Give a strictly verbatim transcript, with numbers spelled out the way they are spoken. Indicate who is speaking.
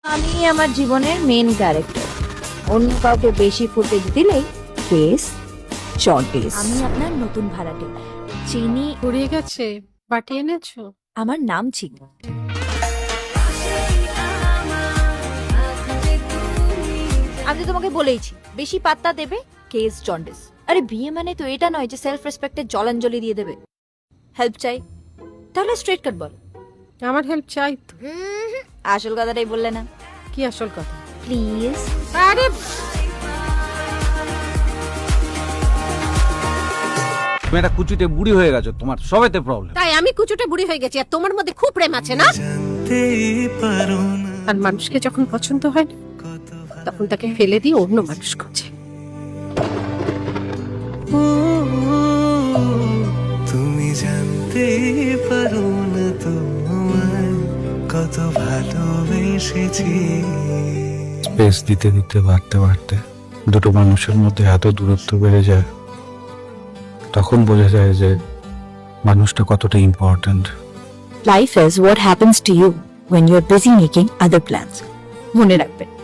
Speaker 1: আমি আমার জীবনের মেন ক্যারেক্টার, অন্য কাউকে বেশি ফুটেজ দিলেই কেস জন্ডিস। আমি আপনার নতুন ভাড়াটে, চিনি
Speaker 2: ফুরিয়ে গেছে, বাটি এনেছো?
Speaker 1: আমার নাম চিনি। আমি তো তোমাকে বলেইছি, বেশি পাত্তা দেবে কেস জন্ডিস। আরে বিয়ে মানে তো এটা নয় যে সেলফ রেসপেক্টে জলাঞ্জলি দিয়ে দেবে। হেল্প চাই তাহলে স্ট্রেট কাট বল।
Speaker 2: আমার হেল্প চাই তো।
Speaker 1: আসল কথাটাই বললে না।
Speaker 2: কি আসল কথা?
Speaker 1: প্লিজ।
Speaker 2: আরে
Speaker 3: তুমি একটা কুচিতে বুড়ি হয়ে গেছো, তোমার সবেতে প্রবলেম।
Speaker 2: তাই আমি কুচুটে বুড়ি হয়ে গেছি আর তোমার মধ্যে খুব প্রেম আছে না? আর মানুষকে যখন পছন্দ হয় না, তখন তাকে ফেলে দিয়ে অন্য মানুষ খোঁজে।
Speaker 4: তুমি জানতে পারো না তোমায় কত ভালোবেসেছি।
Speaker 5: স্পেস দিতে দিতে বাড়তে বাড়তে দুটো মানুষের মধ্যে এত দূরত্ব বেড়ে যায়, তখন বোঝা যায় যে মানুষটা কতটা important.
Speaker 1: Life is what happens to you when you're busy making other plans. মনে রাখবেন।